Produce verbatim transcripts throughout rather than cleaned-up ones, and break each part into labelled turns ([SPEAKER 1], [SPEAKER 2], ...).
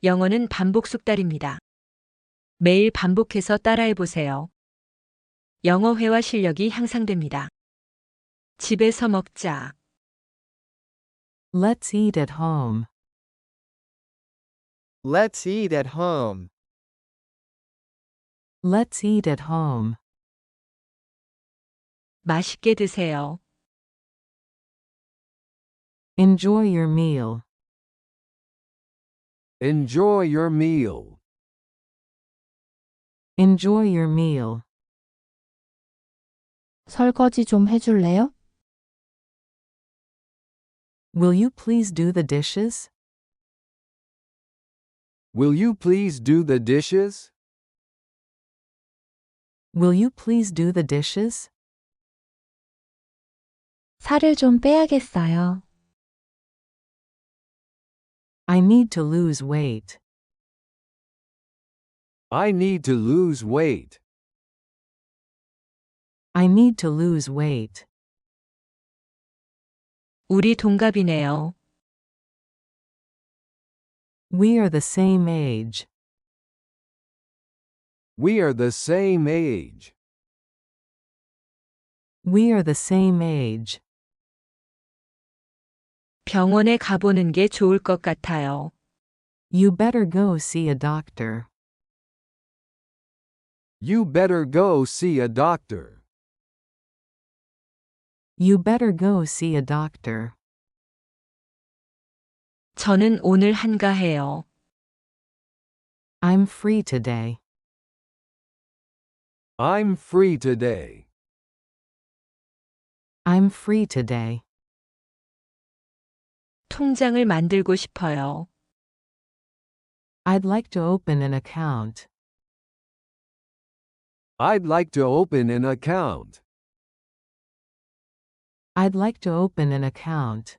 [SPEAKER 1] 영어는 반복 숙달입니다. 매일 반복해서 따라해 보세요. 영어 회화 실력이 향상됩니다. 집에서 먹자.
[SPEAKER 2] Let's eat at home.
[SPEAKER 3] Let's eat at home.
[SPEAKER 2] Let's eat at home.
[SPEAKER 1] 맛있게 드세요.
[SPEAKER 2] Enjoy your meal.
[SPEAKER 3] Enjoy your meal.
[SPEAKER 2] Enjoy your meal.
[SPEAKER 4] 설거지 좀 해줄래요?
[SPEAKER 2] Will you please do the dishes?
[SPEAKER 3] Will you please do the dishes?
[SPEAKER 2] Will you please do the dishes?
[SPEAKER 4] 살을 좀 빼야겠어요.
[SPEAKER 2] I need to lose weight.
[SPEAKER 3] I need to lose weight.
[SPEAKER 2] I need to lose weight.
[SPEAKER 1] 우리 동갑이네요.
[SPEAKER 2] We are the same age.
[SPEAKER 3] We are the same age.
[SPEAKER 2] We are the same age.
[SPEAKER 1] 병원에 가보는 게 좋을 것 같아요.
[SPEAKER 2] You better go see a doctor.
[SPEAKER 3] You better go see a doctor.
[SPEAKER 2] You better go see a doctor.
[SPEAKER 1] 저는 오늘 한가해요.
[SPEAKER 2] I'm free today.
[SPEAKER 3] I'm free today.
[SPEAKER 2] I'm free today.
[SPEAKER 1] 통장을 만들고 싶어요.
[SPEAKER 2] I'd like to open an account.
[SPEAKER 3] I'd like to open an account.
[SPEAKER 2] I'd like to open an account.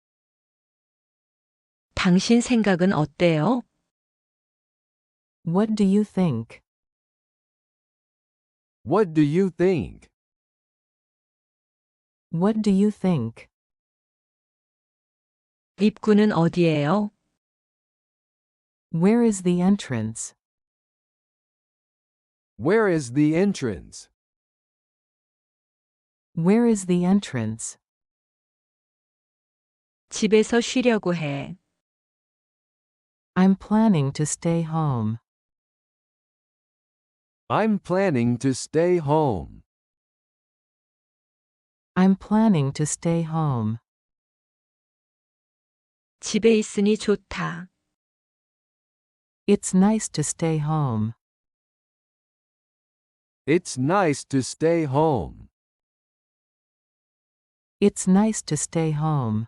[SPEAKER 1] 당신 생각은 어때요?
[SPEAKER 2] What do you think?
[SPEAKER 3] What do you think?
[SPEAKER 2] What do you think?
[SPEAKER 1] 입구는 어디예요?
[SPEAKER 2] Where is the entrance?
[SPEAKER 3] Where is the entrance?
[SPEAKER 2] Where is the entrance?
[SPEAKER 1] 집에서 쉬려고 해.
[SPEAKER 2] I'm planning to stay home.
[SPEAKER 3] I'm planning to stay home.
[SPEAKER 2] I'm planning to stay home.
[SPEAKER 1] 집에 있으니 좋다.
[SPEAKER 2] It's nice to stay home.
[SPEAKER 3] It's nice to stay home.
[SPEAKER 2] It's nice to stay home.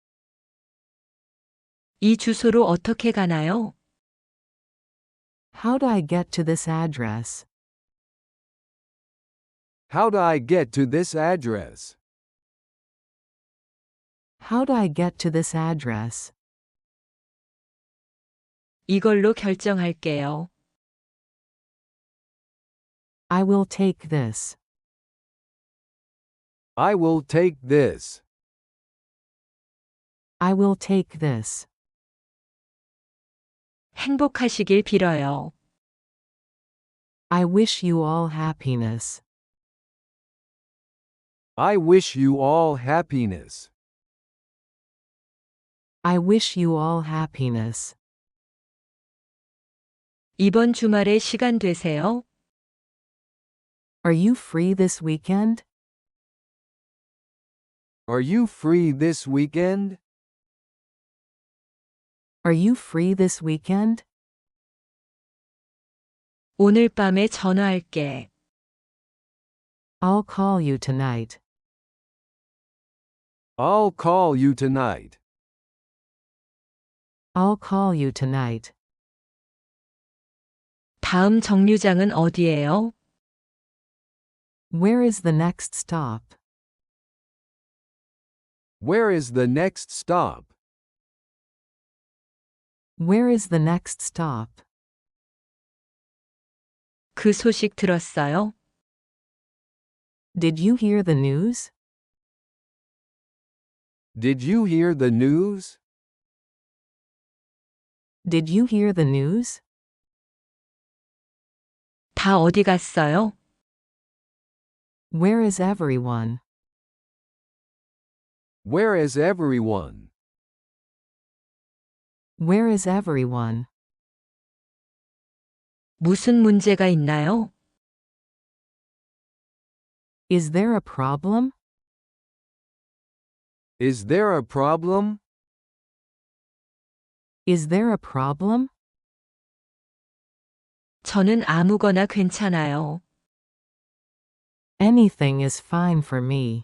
[SPEAKER 1] 이 주소로 어떻게 가나요?
[SPEAKER 2] How do I get to this address?
[SPEAKER 3] How do I get to this address?
[SPEAKER 2] How do I get to this address?
[SPEAKER 1] 이걸로 결정할게요.
[SPEAKER 2] I will take this.
[SPEAKER 3] I will take this.
[SPEAKER 2] I will take this.
[SPEAKER 1] 행복하시길 빌어요.
[SPEAKER 2] I wish you all happiness.
[SPEAKER 3] I wish you all happiness.
[SPEAKER 2] I wish you all happiness.
[SPEAKER 1] 이번 주말에 시간 되세요?
[SPEAKER 2] Are you free this weekend?
[SPEAKER 3] Are you free this weekend?
[SPEAKER 2] Are you free this weekend?
[SPEAKER 1] 오늘 밤에 전화할게.
[SPEAKER 2] I'll call you tonight.
[SPEAKER 3] I'll call you tonight.
[SPEAKER 2] I'll call you tonight.
[SPEAKER 1] 다음 정류장은 어디예요?
[SPEAKER 2] Where is the next stop?
[SPEAKER 3] Where is the next stop?
[SPEAKER 2] Where is the next stop?
[SPEAKER 1] 그 소식 들었어요?
[SPEAKER 2] Did you hear the news?
[SPEAKER 3] Did you hear the news?
[SPEAKER 2] Did you hear the news?
[SPEAKER 1] 다 어디 갔어요?
[SPEAKER 2] Where is everyone?
[SPEAKER 3] Where is everyone?
[SPEAKER 2] Where is everyone?
[SPEAKER 1] 무슨 문제가 있나요?
[SPEAKER 2] Is there a problem?
[SPEAKER 3] Is there a problem?
[SPEAKER 2] Is there a problem?
[SPEAKER 1] 저는 아무거나 괜찮아요.
[SPEAKER 2] Anything is fine for me.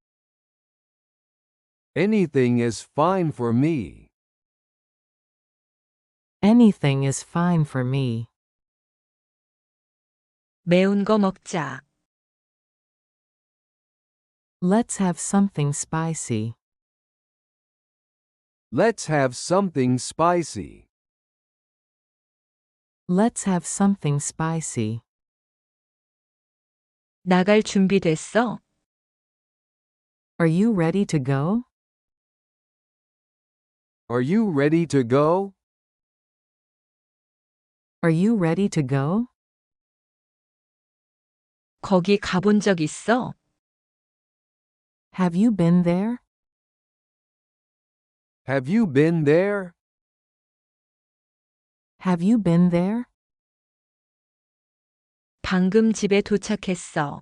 [SPEAKER 3] Anything is fine for me.
[SPEAKER 2] Anything is fine for me.
[SPEAKER 1] 매운 거 먹자.
[SPEAKER 2] Let's have something spicy.
[SPEAKER 3] Let's have something spicy.
[SPEAKER 2] Let's have something spicy.
[SPEAKER 1] 나갈 준비됐어?
[SPEAKER 2] Are you ready to go?
[SPEAKER 3] Are you ready to go?
[SPEAKER 2] Are you ready to go?
[SPEAKER 1] 거기 가본 적 있어?
[SPEAKER 2] Have you been there?
[SPEAKER 3] Have you been there?
[SPEAKER 2] Have you been there?
[SPEAKER 1] 방금 집에 도착했어.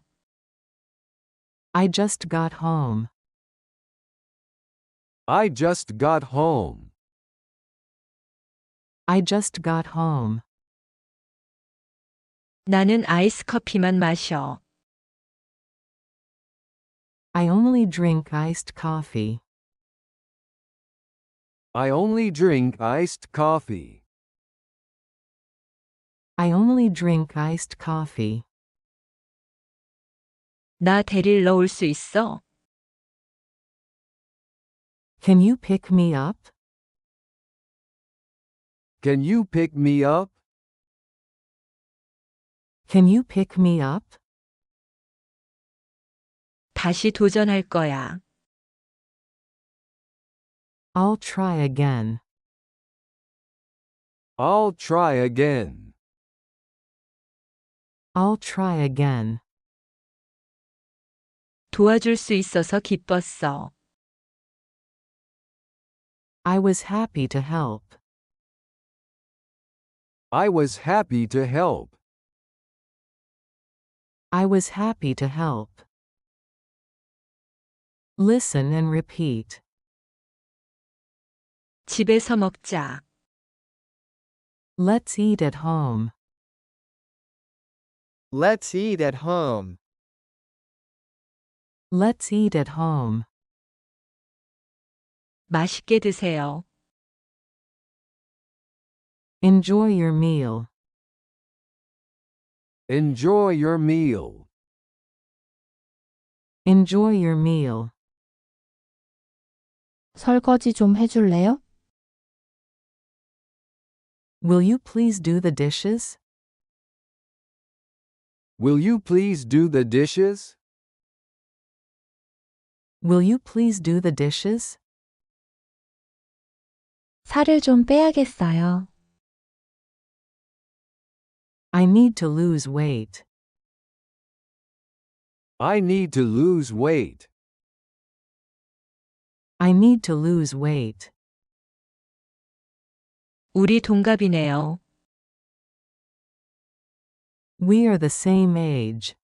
[SPEAKER 2] I just got home.
[SPEAKER 3] I just got home.
[SPEAKER 2] I just got home.
[SPEAKER 1] 나는 아이스 커피만 마셔.
[SPEAKER 2] I only drink iced coffee.
[SPEAKER 3] I only drink iced coffee.
[SPEAKER 2] I only drink iced coffee.
[SPEAKER 1] 나 데리러 올 수 있어?
[SPEAKER 2] Can you pick me up?
[SPEAKER 3] Can you pick me up?
[SPEAKER 2] Can you pick me up?
[SPEAKER 1] 다시 도전할 거야.
[SPEAKER 2] I'll try again.
[SPEAKER 3] I'll try again.
[SPEAKER 2] I'll try again.
[SPEAKER 1] 도와줄 수 있어서 기뻤어.
[SPEAKER 2] I was happy to help.
[SPEAKER 3] I was happy to help.
[SPEAKER 2] I was happy to help. Listen and repeat.
[SPEAKER 1] 집에서 먹자.
[SPEAKER 2] Let's eat at home.
[SPEAKER 5] Let's eat at home.
[SPEAKER 2] Let's eat at home.
[SPEAKER 1] 맛있게 드세요.
[SPEAKER 2] Enjoy your meal.
[SPEAKER 3] Enjoy your meal.
[SPEAKER 2] Enjoy your meal.
[SPEAKER 4] 설거지 좀 해줄래요?
[SPEAKER 2] Will you please do the dishes?
[SPEAKER 3] Will you please do the dishes?
[SPEAKER 2] Will you please do the dishes?
[SPEAKER 4] 살을 좀 빼야겠어요.
[SPEAKER 2] I need to lose weight.
[SPEAKER 3] I need to lose weight.
[SPEAKER 2] I need to lose weight.
[SPEAKER 1] 우리 동갑이네요.
[SPEAKER 2] We are the same age.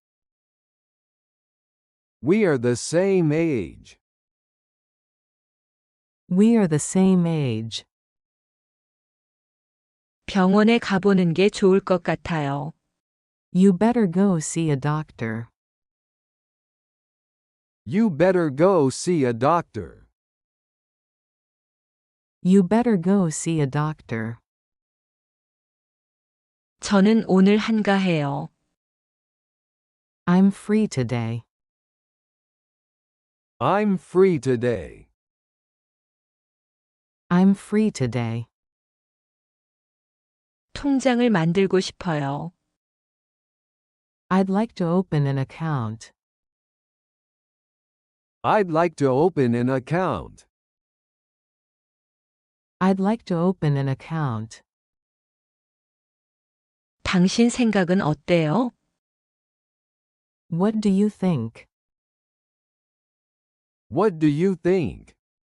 [SPEAKER 3] We are the same age.
[SPEAKER 2] We are the same age.
[SPEAKER 1] 병원에 가보는 게 좋을 것 같아요.
[SPEAKER 2] You better go see a doctor.
[SPEAKER 3] You better go see a doctor.
[SPEAKER 2] You better go see a doctor.
[SPEAKER 1] 저는 오늘 한가해요.
[SPEAKER 2] I'm free today.
[SPEAKER 3] I'm free today.
[SPEAKER 2] I'm free today.
[SPEAKER 1] 통장을 만들고 싶어요.
[SPEAKER 2] I'd like to open an account.
[SPEAKER 3] I'd like to open an account.
[SPEAKER 2] I'd like to open an account.
[SPEAKER 1] 당신 생각은 어때요?
[SPEAKER 2] What do you think?
[SPEAKER 3] What do you think?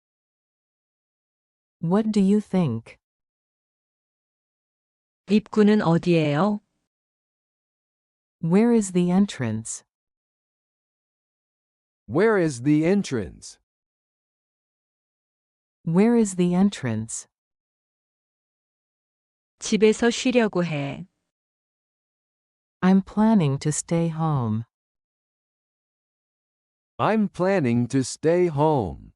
[SPEAKER 2] What do you think?
[SPEAKER 1] 입구는 어디예요?
[SPEAKER 2] Where is the entrance?
[SPEAKER 3] Where is the entrance?
[SPEAKER 2] Where is the entrance?
[SPEAKER 1] 집에서 쉬려고 해.
[SPEAKER 2] I'm planning to stay home.
[SPEAKER 3] I'm planning to stay home.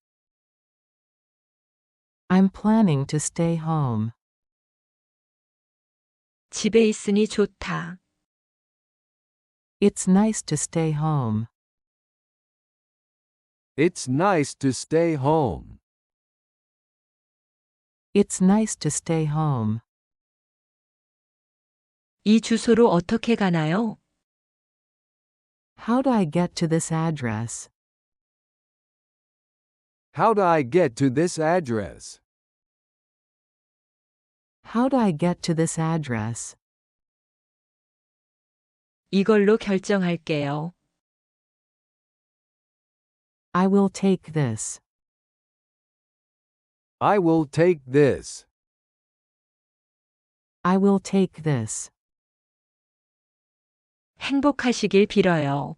[SPEAKER 2] I'm planning to stay home.
[SPEAKER 1] 집에 있으니 좋다.
[SPEAKER 2] It's nice to stay home.
[SPEAKER 3] It's nice to stay home.
[SPEAKER 2] It's nice to stay home.
[SPEAKER 1] 이 주소로 어떻게 가나요?
[SPEAKER 2] How do I get to this address?
[SPEAKER 3] How do I get to this address?
[SPEAKER 2] How do I get to this address?
[SPEAKER 1] 이걸로 결정할게요.
[SPEAKER 2] I will take this.
[SPEAKER 3] I will take this.
[SPEAKER 2] I will take this.
[SPEAKER 1] 행복하시길 빌어요.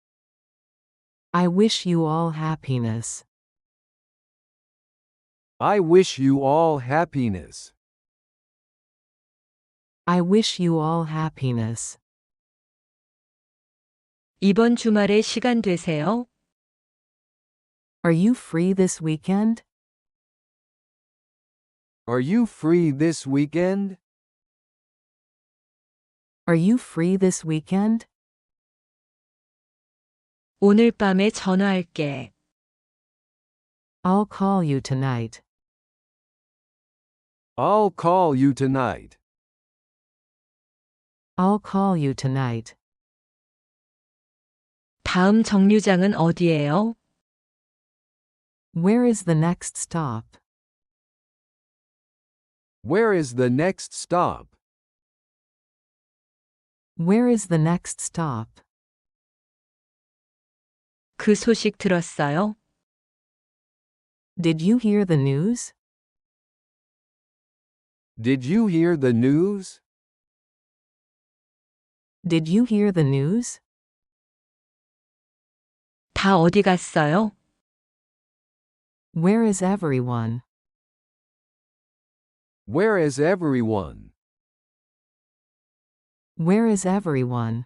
[SPEAKER 2] I wish you all happiness.
[SPEAKER 3] I wish you all happiness.
[SPEAKER 2] I wish you all happiness.
[SPEAKER 1] 이번 주말에 시간 되세요?
[SPEAKER 2] Are you free this weekend?
[SPEAKER 3] Are you free this weekend?
[SPEAKER 2] Are you free this weekend?
[SPEAKER 1] 오늘 밤에 전화할게.
[SPEAKER 2] I'll call you tonight.
[SPEAKER 3] I'll call you tonight.
[SPEAKER 2] I'll call you tonight.
[SPEAKER 1] 다음 정류장은 어디예요?
[SPEAKER 2] Where is the next stop?
[SPEAKER 3] Where is the next stop?
[SPEAKER 2] Where is the next stop?
[SPEAKER 1] 그 소식 들었어요?
[SPEAKER 2] Did you hear the news?
[SPEAKER 3] Did you hear the news?
[SPEAKER 2] Did you hear the news?
[SPEAKER 1] 다 어디 갔어요?
[SPEAKER 2] Where is everyone?
[SPEAKER 3] Where is everyone?
[SPEAKER 2] Where is everyone?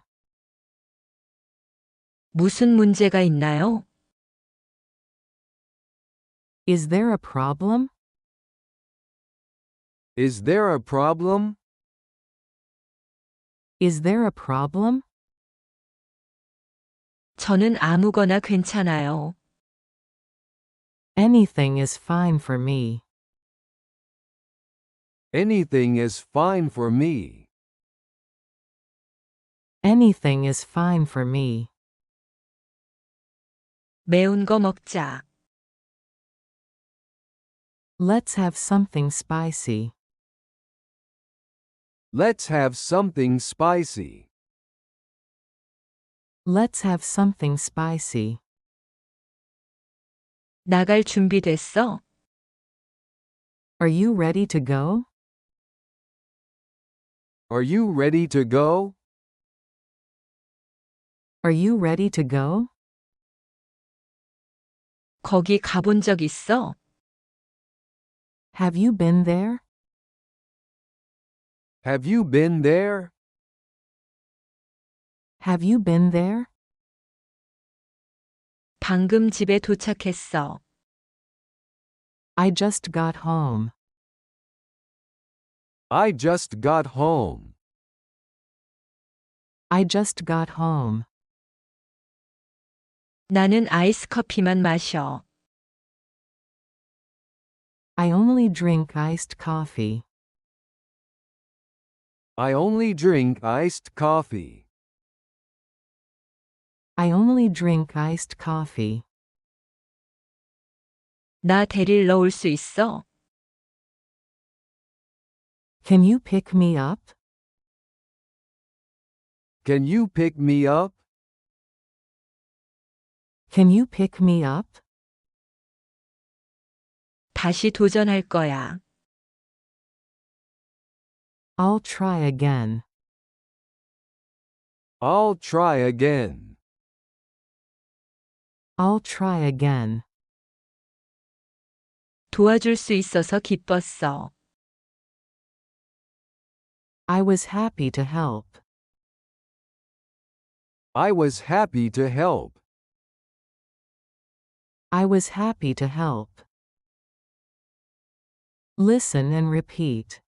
[SPEAKER 1] 무슨 문제가 있나요?
[SPEAKER 2] Is there a problem?
[SPEAKER 3] Is there a problem?
[SPEAKER 2] Is there a problem?
[SPEAKER 1] 저는 아무거나 괜찮아요.
[SPEAKER 2] Anything is fine for me.
[SPEAKER 3] Anything is fine for me.
[SPEAKER 2] Anything is fine for me.
[SPEAKER 1] 매운 거 먹자.
[SPEAKER 2] Let's have something spicy.
[SPEAKER 3] Let's have something spicy.
[SPEAKER 2] Let's have something spicy.
[SPEAKER 1] 나갈 준비됐어?
[SPEAKER 2] Are you ready to go?
[SPEAKER 3] Are you ready to go?
[SPEAKER 2] Are you ready to go?
[SPEAKER 1] 거기 가본 적 있어?
[SPEAKER 2] Have you been there?
[SPEAKER 3] Have you been there?
[SPEAKER 2] Have you been there?
[SPEAKER 1] 방금 집에 도착했어.
[SPEAKER 2] I just got home.
[SPEAKER 3] I just got home.
[SPEAKER 2] I just got home.
[SPEAKER 1] 나는 아이스 커피만 마셔.
[SPEAKER 2] I only drink iced coffee.
[SPEAKER 3] I only drink iced coffee.
[SPEAKER 2] I only drink iced coffee.
[SPEAKER 1] 나 데릴 넣을 수 있어?
[SPEAKER 2] Can you pick me up?
[SPEAKER 3] Can you pick me up?
[SPEAKER 2] Can you pick me up?
[SPEAKER 1] 다시 도전할 거야.
[SPEAKER 2] I'll try again.
[SPEAKER 3] I'll try again.
[SPEAKER 2] I'll try again.
[SPEAKER 1] 도와줄 수 있어서 기뻤어.
[SPEAKER 2] I was happy to help.
[SPEAKER 3] I was happy to help.
[SPEAKER 2] I was happy to help. Listen and repeat.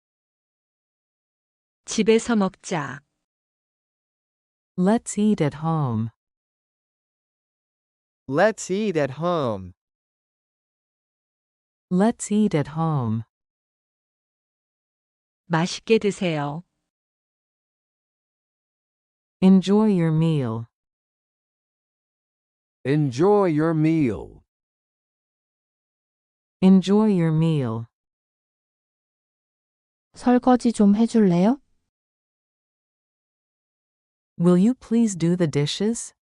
[SPEAKER 1] 집에서 먹자.
[SPEAKER 2] Let's eat at home.
[SPEAKER 5] Let's eat at home.
[SPEAKER 2] Let's eat at home.
[SPEAKER 1] 맛있게 드세요.
[SPEAKER 2] Enjoy your meal.
[SPEAKER 3] Enjoy your meal.
[SPEAKER 2] Enjoy your meal.
[SPEAKER 4] 설거지 좀 해줄래요?
[SPEAKER 2] Will you please do the dishes?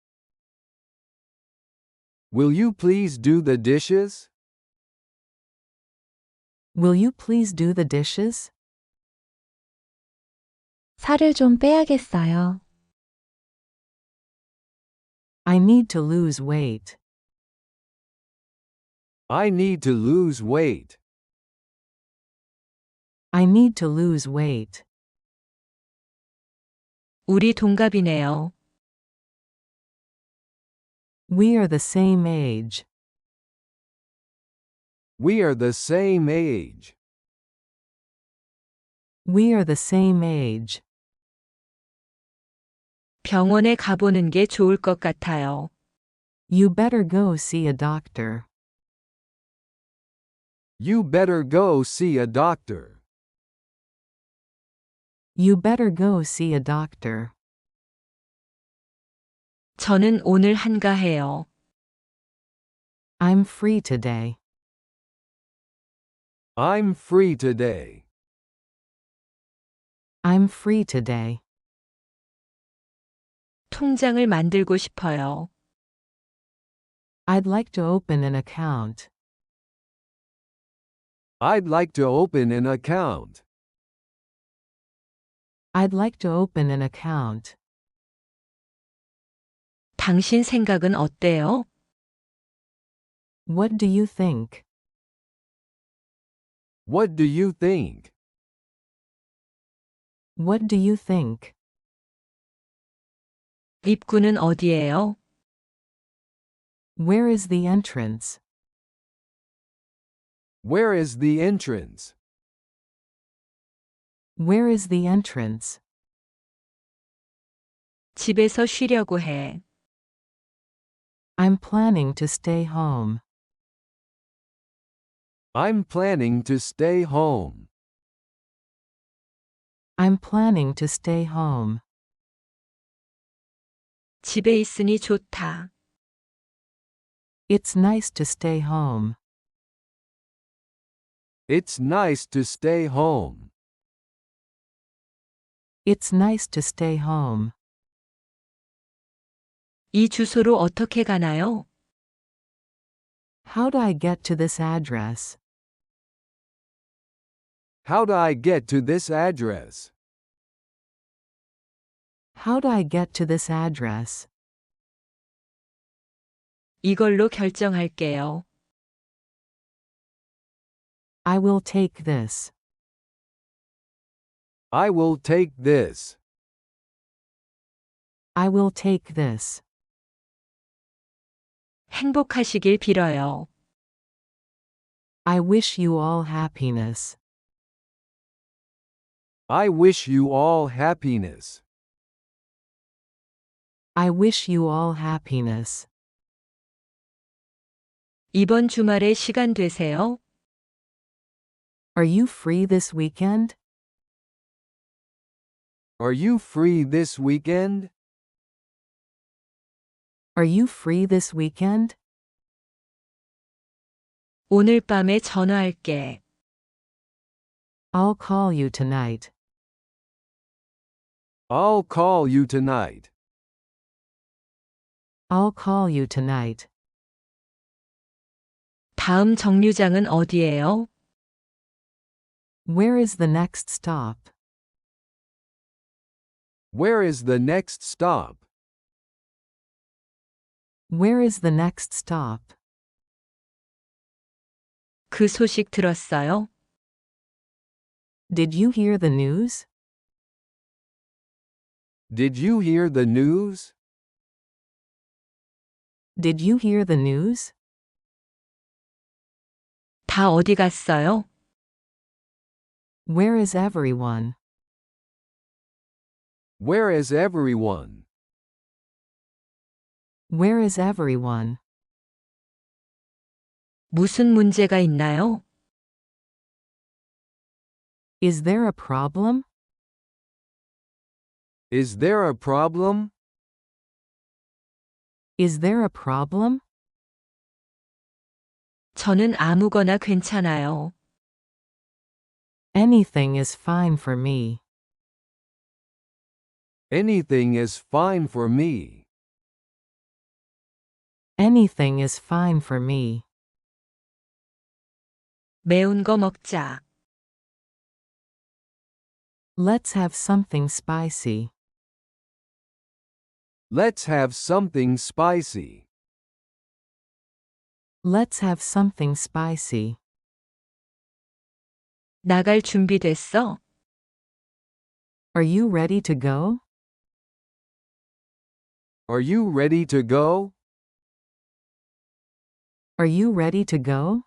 [SPEAKER 3] Will you please do the dishes?
[SPEAKER 2] Will you please do the dishes?
[SPEAKER 4] 살을 좀 빼야겠어요.
[SPEAKER 2] I need to lose weight.
[SPEAKER 3] I need to lose weight.
[SPEAKER 2] I need to lose weight.
[SPEAKER 1] 우리 동갑이네요.
[SPEAKER 2] We are the same age.
[SPEAKER 3] We are the same age.
[SPEAKER 2] We are the same age.
[SPEAKER 1] 병원에 가보는 게 좋을 것 같아요.
[SPEAKER 2] You better go see a doctor.
[SPEAKER 3] You better go see a doctor.
[SPEAKER 2] You better go see a doctor.
[SPEAKER 1] 저는 오늘 한가해요.
[SPEAKER 2] I'm free today.
[SPEAKER 3] I'm free today.
[SPEAKER 2] I'm free today.
[SPEAKER 1] 통장을 만들고 싶어요.
[SPEAKER 2] I'd like to open an account.
[SPEAKER 3] I'd like to open an account.
[SPEAKER 2] I'd like to open an account.
[SPEAKER 1] 당신 생각은 어때요?
[SPEAKER 2] What do you think?
[SPEAKER 3] What do you think?
[SPEAKER 2] What do you think?
[SPEAKER 1] 입구는 어디예요?
[SPEAKER 2] Where is the entrance?
[SPEAKER 3] Where is the entrance?
[SPEAKER 2] Where is the entrance?
[SPEAKER 1] 집에서 쉬려고 해.
[SPEAKER 2] I'm planning to stay home.
[SPEAKER 3] I'm planning to stay home.
[SPEAKER 2] I'm planning to stay home.
[SPEAKER 1] 집에 있으니 좋다.
[SPEAKER 2] It's nice to stay home.
[SPEAKER 3] It's nice to stay home.
[SPEAKER 2] It's nice to stay home.
[SPEAKER 1] 이 주소로 어떻게 가나요?
[SPEAKER 2] How do I get to this address?
[SPEAKER 3] How do I get to this address?
[SPEAKER 2] How do I get to this address?
[SPEAKER 1] 이걸로 결정할게요.
[SPEAKER 2] I will take this.
[SPEAKER 3] I will take this.
[SPEAKER 2] I will take this.
[SPEAKER 1] 행복하시길 빌어요.
[SPEAKER 2] I wish you all happiness.
[SPEAKER 3] I wish you all happiness.
[SPEAKER 2] I wish you all happiness.
[SPEAKER 1] 이번 주말에 시간 되세요?
[SPEAKER 2] Are you free this weekend?
[SPEAKER 3] Are you free this weekend?
[SPEAKER 2] Are you free this weekend?
[SPEAKER 1] 오늘 밤에 전화할게.
[SPEAKER 2] I'll call you tonight.
[SPEAKER 3] I'll call you tonight.
[SPEAKER 2] I'll call you tonight.
[SPEAKER 1] 다음 정류장은 어디예요?
[SPEAKER 2] Where is the next stop?
[SPEAKER 3] Where is the next stop?
[SPEAKER 2] Where is the next stop?
[SPEAKER 1] 그 소식 들었어요?
[SPEAKER 2] Did you hear the news?
[SPEAKER 3] Did you hear the news?
[SPEAKER 2] Did you hear the news?
[SPEAKER 1] 다 어디 갔어요?
[SPEAKER 2] Where is everyone?
[SPEAKER 3] Where is everyone?
[SPEAKER 2] Where is everyone?
[SPEAKER 1] 무슨 문제가 있나요?
[SPEAKER 2] Is there a problem?
[SPEAKER 3] Is there a problem?
[SPEAKER 2] Is there a problem?
[SPEAKER 1] 저는 아무거나 괜찮아요.
[SPEAKER 2] Anything is fine for me.
[SPEAKER 3] Anything is fine for me.
[SPEAKER 2] Anything is fine for me.
[SPEAKER 1] 매운 거 먹자.
[SPEAKER 2] Let's have something spicy.
[SPEAKER 3] Let's have something spicy.
[SPEAKER 2] Let's have something spicy.
[SPEAKER 1] 나갈 준비됐어?
[SPEAKER 2] Are you ready to go?
[SPEAKER 3] Are you ready to go?
[SPEAKER 2] Are you ready to go?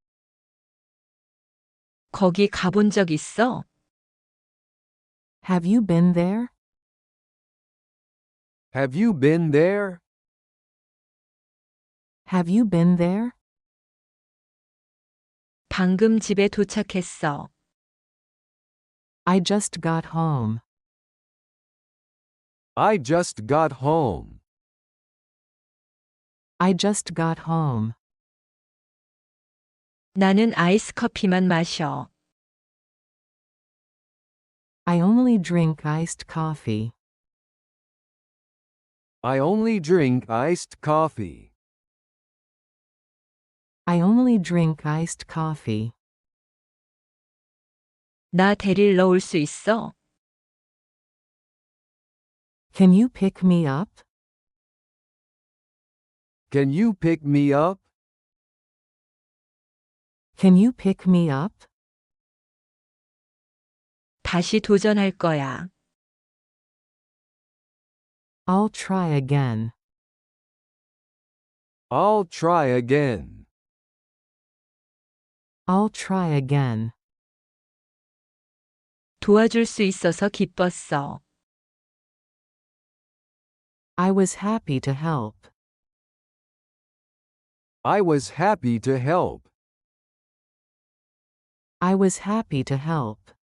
[SPEAKER 1] 거기 가본 적 있어?
[SPEAKER 2] Have you been there?
[SPEAKER 3] Have you been there?
[SPEAKER 2] Have you been there?
[SPEAKER 1] 방금 집에 도착했어.
[SPEAKER 2] I just got home.
[SPEAKER 3] I just got home.
[SPEAKER 2] I just got home.
[SPEAKER 1] 나는 아이스 커피만 마셔.
[SPEAKER 2] I only drink iced coffee.
[SPEAKER 3] I only drink iced coffee.
[SPEAKER 2] I only drink iced coffee.
[SPEAKER 1] 나 데리러 올 수 있어?
[SPEAKER 2] Can you pick me up?
[SPEAKER 3] Can you pick me up?
[SPEAKER 2] Can you pick me up?
[SPEAKER 1] 다시 도전할 거야.
[SPEAKER 2] I'll try again.
[SPEAKER 3] I'll try again.
[SPEAKER 2] I'll try again.
[SPEAKER 1] 도와줄 수 있어서 기뻤어.
[SPEAKER 2] I was happy to help.
[SPEAKER 3] I was happy to help.
[SPEAKER 2] I was happy to help.